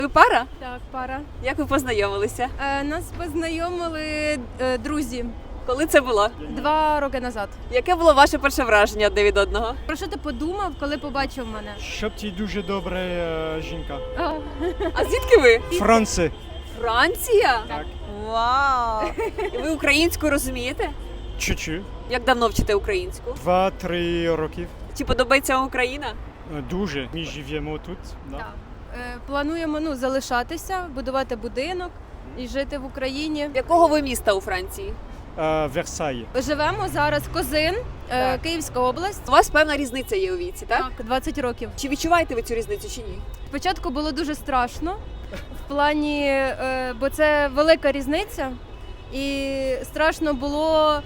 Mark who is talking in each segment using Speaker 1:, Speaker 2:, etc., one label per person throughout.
Speaker 1: Ви пара?
Speaker 2: Так, пара.
Speaker 1: Як ви познайомилися?
Speaker 2: Нас познайомили друзі
Speaker 1: Коли це було?
Speaker 2: 2 роки назад.
Speaker 1: Яке було ваше перше враження одне від одного?
Speaker 2: Про що ти подумав, коли побачив мене?
Speaker 3: Щоб ти дуже добра жінка.
Speaker 1: А звідки ви?
Speaker 3: Франція.
Speaker 1: Франція?
Speaker 3: Так.
Speaker 1: Вау! І ви українську розумієте?
Speaker 3: Чуть-чуть.
Speaker 1: Як давно вчите українську?
Speaker 3: 2-3 років.
Speaker 1: Чи подобається вам Україна?
Speaker 3: Дуже. Ми живемо тут. Да.
Speaker 2: Так. Плануємо залишатися, будувати будинок і жити в Україні.
Speaker 1: Якого ви міста у Франції?
Speaker 3: Версаї.
Speaker 2: Живемо зараз Козин,
Speaker 1: Так.
Speaker 2: Київська область.
Speaker 1: У вас певна різниця є у віці, так?
Speaker 2: Так, 20 років.
Speaker 1: Чи відчуваєте ви цю різницю чи ні?
Speaker 2: Спочатку було дуже страшно, в плані, бо це велика різниця, і страшно було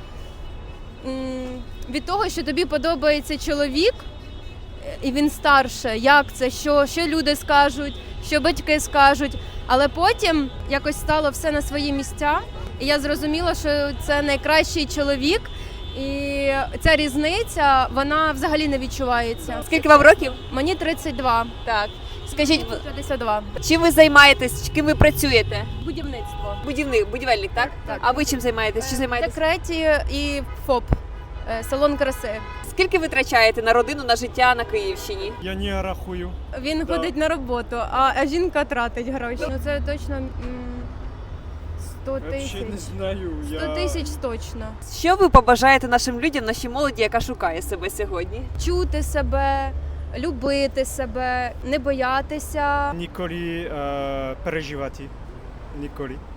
Speaker 2: від того, що тобі подобається чоловік, і він старше, як це, що люди скажуть, що батьки скажуть. Але потім якось стало все на свої місця, і я зрозуміла, що це найкращий чоловік, і ця різниця, вона взагалі не відчувається.
Speaker 1: Скільки вам років?
Speaker 2: Мені 32.
Speaker 1: Так. Скажіть,
Speaker 2: 52.
Speaker 1: чим ви займаєтесь, ким ви працюєте?
Speaker 2: Будівництво.
Speaker 1: Будівельник, так?
Speaker 2: Так.
Speaker 1: А ви чим займаєтесь? Чи
Speaker 2: В
Speaker 1: займаєтесь?
Speaker 2: декреті і ФОП, салон краси.
Speaker 1: Скільки ви витрачаєте на родину, на життя на Київщині?
Speaker 3: Я не рахую.
Speaker 2: Він
Speaker 3: Да.
Speaker 2: ходить на роботу, а жінка тратить гроші. Ну це точно 100 тисяч.
Speaker 3: Взагалі не знаю.
Speaker 2: 100 тисяч точно.
Speaker 1: Що ви побажаєте нашим людям, нашій молоді, яка шукає себе сьогодні?
Speaker 2: Чути себе, любити себе, не боятися.
Speaker 3: Ніколи переживати. Ніколи.